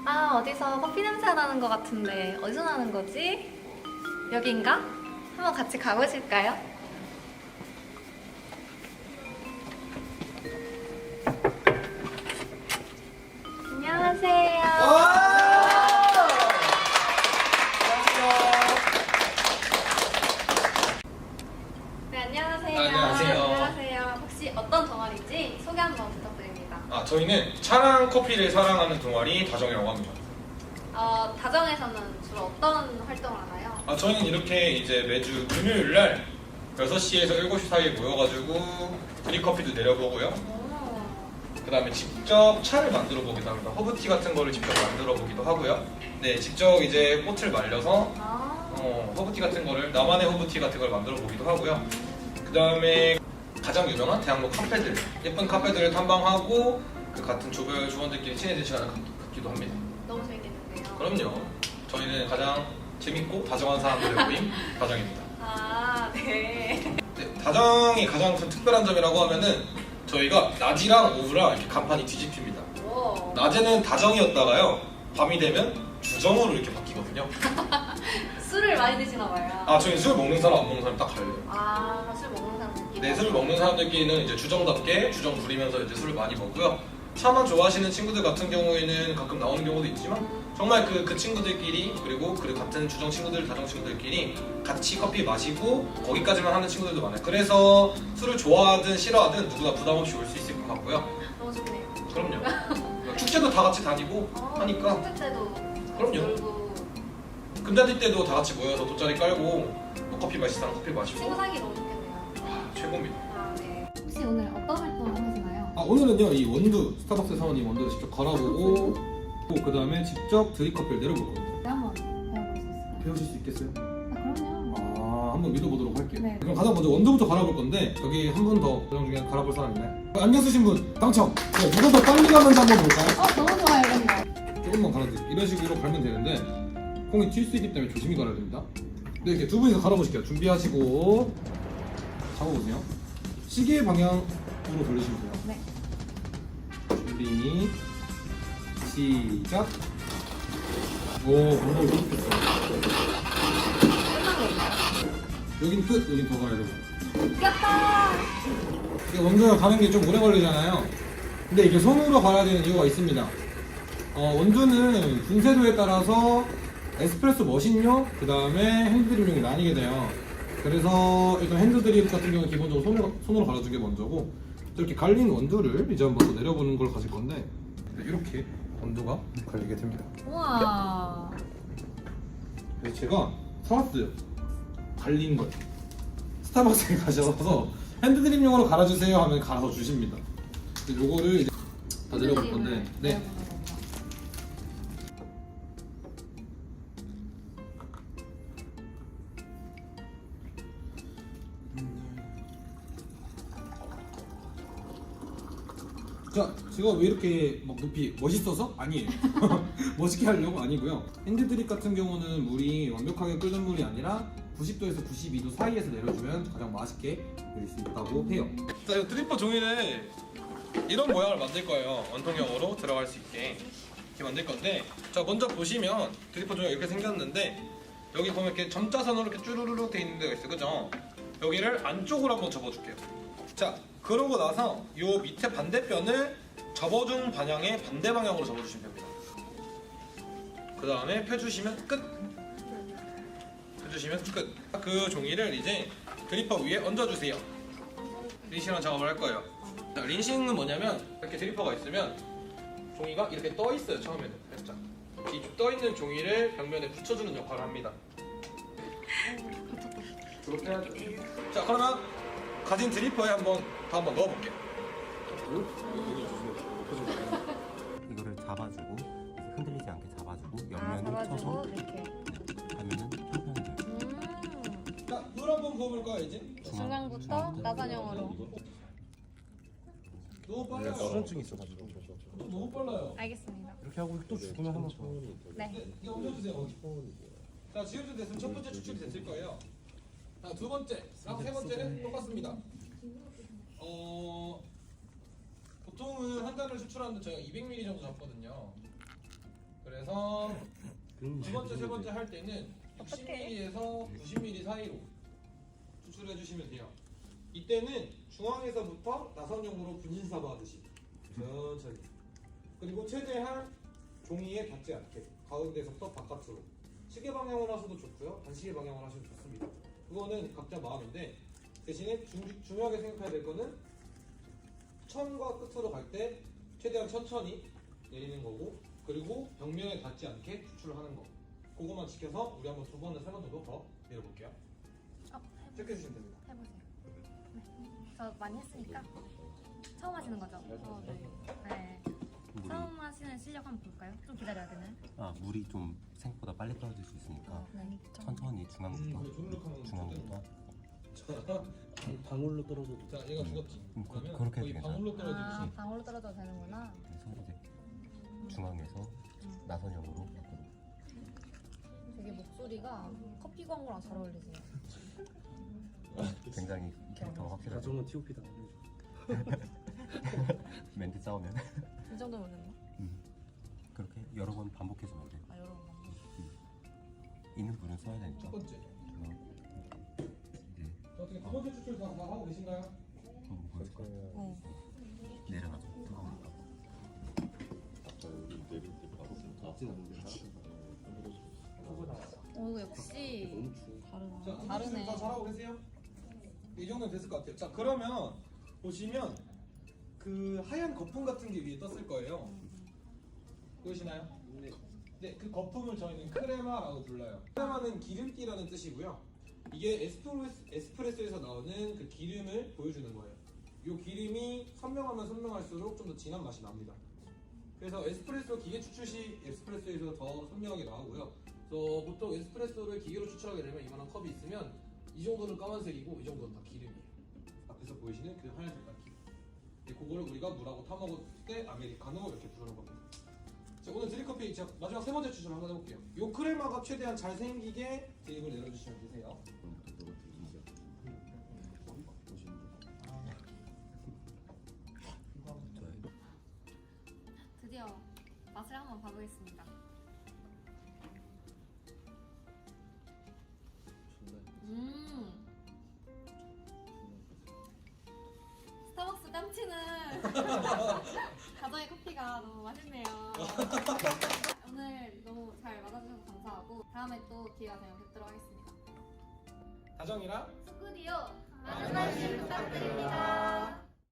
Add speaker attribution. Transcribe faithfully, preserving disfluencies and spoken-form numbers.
Speaker 1: 아, 어디서 커피 냄새가 나는 것 같은데 어디서 나는 거지? 여긴가? 한번 같이 가보실까요? 안녕하세요. 네, 안녕하세요.
Speaker 2: 아, 안녕하세요.
Speaker 1: 안녕하세요. 혹시 어떤 동아리인지 소개 한번 부탁드립니다.
Speaker 2: 아, 저희는 차랑 커피를 사랑하는 동아리 다정이라고 합니다.
Speaker 1: 어, 다정에서는 주로 어떤 활동을 하나요?
Speaker 2: 아, 저희는 이렇게 이제 매주 금요일 날 여섯 시에서 일곱 시 사이에 모여가지고 드립커피도 내려보고요.
Speaker 1: 오.
Speaker 2: 그 다음에 직접 차를 만들어 보기도 합니다. 허브티 같은 거를 직접 만들어 보기도 하고요. 네, 직접 이제 꽃을 말려서
Speaker 1: 아.
Speaker 2: 어, 허브티 같은 거를, 나만의 허브티 같은 걸 만들어 보기도 하고요. 그 다음에 가장 유명한 대학로 카페들, 예쁜 카페들을 탐방하고 그 같은 조별 조원들끼리 친해진 시간을 갖- 갖기도 합니다.
Speaker 1: 너무 재밌겠는데요.
Speaker 2: 그럼요. 저희는 가장 재밌고 다정한 사람들의 모임 다정입니다.
Speaker 1: 아, 네.
Speaker 2: 네, 다정이 가장 큰 특별한 점이라고 하면은 저희가 낮이랑 오후랑 이렇게 간판이 뒤집힙니다.
Speaker 1: 오.
Speaker 2: 낮에는 다정이었다가요, 밤이 되면 주정으로 이렇게 바뀌거든요.
Speaker 1: 술을 많이 드시나 봐요.
Speaker 2: 아, 저희 술 먹는 사람 안 먹는 사람 딱 갈려요.
Speaker 1: 아, 술 먹는 사람들끼리.
Speaker 2: 네, 술 먹는 사람들끼리는 이제 주정답게 주정 부리면서 이제 술을 많이 먹고요. 차만 좋아하시는 친구들 같은 경우에는 가끔 나오는 경우도 있지만 정말 그, 그 친구들끼리, 그리고 그 같은 주정 친구들, 다정 친구들끼리 같이 커피 마시고 거기까지만 하는 친구들도 많아요. 그래서 술을 좋아하든 싫어하든 누구나 부담 없이 올 수 있을 것 같고요.
Speaker 1: 너무 좋네요.
Speaker 2: 그럼요. 축제도 다 같이 다니고
Speaker 1: 어,
Speaker 2: 하니까.
Speaker 1: 축제 때도
Speaker 2: 그럼요.
Speaker 1: 놀고
Speaker 2: 금자띠 때도 다 같이 모여서 돗자리 깔고 뭐 커피 마실 사람 커피 마시고.
Speaker 1: 친구 사기 너무 좋겠네요.
Speaker 2: 아, 최고입니다.
Speaker 1: 아, 네. 혹시 오늘 어떤 활동을 하시나요?
Speaker 3: 아, 오늘은요 이 원두 스타벅스 사원 이 원두를 직접 갈아보고 그 다음에 직접 드립커피를 내려볼 겁니다.
Speaker 1: 네, 한번 배워볼 수 있을까요?
Speaker 3: 배우실 수 있겠어요?
Speaker 1: 아, 그럼요.
Speaker 3: 아, 한번 믿어보도록 할게요.
Speaker 1: 네.
Speaker 3: 그럼 가장 먼저 원두부터 갈아볼 건데 여기 한 분 더 그중 중에 갈아볼 사람 있나요? 안경 쓰신 분 당첨! 네, 누가 더 빨리 가는지 한번 볼까요?
Speaker 1: 어, 너무 좋아요, 이런 거.
Speaker 3: 조금만 갈아드릴게요. 이런 식으로 갈면 되는데 콩이 튈 수 있기 때문에 조심히 갈아야 됩니다. 네, 이렇게 두 분이서 갈아보실게요. 준비하시고 잡아보세요. 시계 방향으로 돌리시면 돼요.
Speaker 1: 네.
Speaker 3: 준비 시작. 오, 방법을 좋겠어.
Speaker 1: 끝난 건가요?
Speaker 3: 여긴 끝, 여긴 더 가야 되고.
Speaker 1: 이겼다!
Speaker 3: 이게 원두가 가는 게 좀 오래 걸리잖아요. 근데 이게 손으로 갈아야 되는 이유가 있습니다. 어, 원두는 분쇄도에 따라서 에스프레소 머신용, 그 다음에 핸드드립용이 나뉘게 돼요. 그래서 일단 핸드드립 같은 경우는 기본적으로 손으로, 손으로 갈아주는 게 먼저고, 이렇게 갈린 원두를 이제 한번 더 내려보는 걸 가질 건데, 이렇게 원두가 갈리게 됩니다.
Speaker 1: 우와.
Speaker 3: 그래서 제가 사왔어요. 갈린 걸. 스타벅스에 가셔서 핸드드립용으로 갈아주세요 하면 갈아서 주십니다. 근데 요거를 이제 다 내려볼 건데, 네. 자, 제가 왜 이렇게 막 높이 멋있어서? 아니에요. 멋있게 하려고 아니고요. 핸드드립 같은 경우는 물이 완벽하게 끓는 물이 아니라 구십 도에서 구십이 도 사이에서 내려주면 가장 맛있게 내릴 수 있다고 해요.
Speaker 2: 자, 이 드리퍼 종이를 이런 모양을 만들 거예요. 원통형으로 들어갈 수 있게 이렇게 만들 건데, 자, 먼저 보시면 드리퍼 종이가 이렇게 생겼는데 여기 보면 이렇게 점자선으로 이렇게 쭈루루룩 돼 있는 데가 있어요, 그죠? 여기를 안쪽으로 한번 접어줄게요. 자, 그러고 나서 요 밑에 반대편을 접어준 방향의 반대 방향으로 접어주시면 됩니다. 그 다음에 펴주시면 끝. 펴주시면 끝. 그 종이를 이제 드리퍼 위에 얹어주세요. 린싱이랑 작업을 할 거예요. 자, 린싱은 뭐냐면 이렇게 드리퍼가 있으면 종이가 이렇게 떠 있어요. 처음에는 살짝 이 떠 있는 종이를 벽면에 붙여주는 역할을 합니다. 그렇게 해야죠. 자, 그러면 가진 드리퍼에 한번 더 한번 넣어볼게요.
Speaker 4: 이거를 잡아주고 흔들리지 않게 잡아주고
Speaker 1: 아,
Speaker 4: 옆면을
Speaker 1: 잡아주고
Speaker 4: 쳐서
Speaker 1: 이렇게.
Speaker 4: 하면은 편편해져요.
Speaker 1: 음.
Speaker 2: 자, 물 한번 부어볼까요 이제?
Speaker 1: 중간부터 나선형으로.
Speaker 2: 너무 빨라요.
Speaker 4: 수전증이 있어가지고
Speaker 2: 너무 빨라요.
Speaker 1: 알겠습니다.
Speaker 4: 이렇게 하고 또 죽으면 한번 더.
Speaker 1: 네.
Speaker 2: 이제 얹어주세요 거기. 자, 지금쯤 됐으면 첫 번째 추출이 됐을 거예요. 자, 두 번째, 세 번째는 똑같습니다. 어, 보통은 한 잔을 추출하는데 저희가 이백 밀리리터 정도 잡거든요. 그래서 어,
Speaker 4: 그런
Speaker 2: 두 번째, 세 번째 할 때는 육십 밀리리터에서 구십 밀리리터 사이로 추출해 주시면 돼요. 이때는 중앙에서부터 나선형으로 분신사바 하듯이 천천히. 그리고 최대한 종이에 닿지 않게 가운데서부터 바깥으로. 시계 방향으로 하셔도 좋고요. 반시계 방향으로 하셔도 좋습니다. 그거는 각자 마음인데 대신에 중, 중요하게 생각해야 될 거는 천과 끝으로 갈 때 최대한 천천히 내리는 거고, 그리고 벽면에 닿지 않게 추출을 하는 거. 그거만 지켜서 우리 한번 두 번에 세 번 정도 더 내려볼게요.
Speaker 1: 어, 해보,
Speaker 2: 체크해 주시면 됩니다.
Speaker 1: 해보세요. 네. 저 많이 했으니까 처음 하시는 거죠? 어, 네. 네.
Speaker 4: 물이
Speaker 1: 처음 하시는 실력 한번 볼까요? 좀 기다려야 되나요?
Speaker 4: 아 물이 좀 생각보다 빨리 떨어질 수 있으니까
Speaker 1: 네.
Speaker 4: 천천히 중앙부터
Speaker 2: 음, 조르륵 하면
Speaker 4: 중앙부터
Speaker 2: 자,
Speaker 5: 방울로 떨어져도
Speaker 2: 자, 얘가 죽었지.
Speaker 4: 음, 그-
Speaker 2: 그러면
Speaker 4: 그렇게
Speaker 2: 거의
Speaker 4: 해도
Speaker 2: 방울로
Speaker 1: 아,
Speaker 2: 떨어지듯이.
Speaker 1: 방울로 떨어져도 되는구나.
Speaker 4: 그래서 이제 중앙에서 나선형으로 밖으로.
Speaker 1: 되게 목소리가 커피 광고랑 잘 어울리세요.
Speaker 4: 굉장히 캐릭터가 확실하죠.
Speaker 5: 가정은 티오피다.
Speaker 4: 멘트 싸우면
Speaker 1: 이 정도면 됐나?
Speaker 4: 그렇게 여러 번 반복해주면 돼.
Speaker 1: 아, 여러 번 방금.
Speaker 4: 있는 불은 써야
Speaker 2: 첫
Speaker 4: 되니까.
Speaker 2: 번째.
Speaker 4: 어, 이제
Speaker 2: 자, 어떻게 두 번째 추출 다, 다 하고 계신가요?
Speaker 4: 한번 보여줄까?
Speaker 1: 어.
Speaker 4: 내려놔줘. 뜨거우니까.
Speaker 1: 오, 역시 다르다.
Speaker 2: 자,
Speaker 1: 다르네.
Speaker 2: 다 잘하고 계세요? 이 정도면 됐을 것 같아요. 자, 그러면 보시면 그 하얀 거품 같은 게 위에 떴을 거예요. 보이시나요? 네. 네, 그 거품을 저희는 크레마라고 불러요. 크레마는 기름기라는 뜻이고요. 이게 에스프레소, 에스프레소에서 나오는 그 기름을 보여주는 거예요. 이 기름이 선명하면 선명할수록 좀 더 진한 맛이 납니다. 그래서 에스프레소 기계 추출 시 에스프레소에서 더 선명하게 나오고요. 그래서 보통 에스프레소를 기계로 추출하게 되면 이만한 컵이 있으면 이 정도는 까만색이고 이 정도는 다 기름이에요. 앞에서 보이시는 그 하얀 색깔 기름. 근데 그거를 우리가 물하고 타먹을 때 아메리카노 이렇게 부르는 겁니다. 자, 오늘 드립커피 제가 마지막 세 번째 추출 한번 해볼게요. 요 크레마가 최대한 잘생기게 드립을 내려주시면 되세요.
Speaker 1: 드디어 맛을 한번 봐보겠습니다. 음. 스타벅스 땀치는 가정의 커피가 너무 맛있네요. 오늘 너무 잘 맞아주셔서 감사하고 다음에 또 기회가 되면 뵙도록 하겠습니다.
Speaker 2: 다정이랑
Speaker 1: 스쿠디오 많은 관심 부탁드립니다.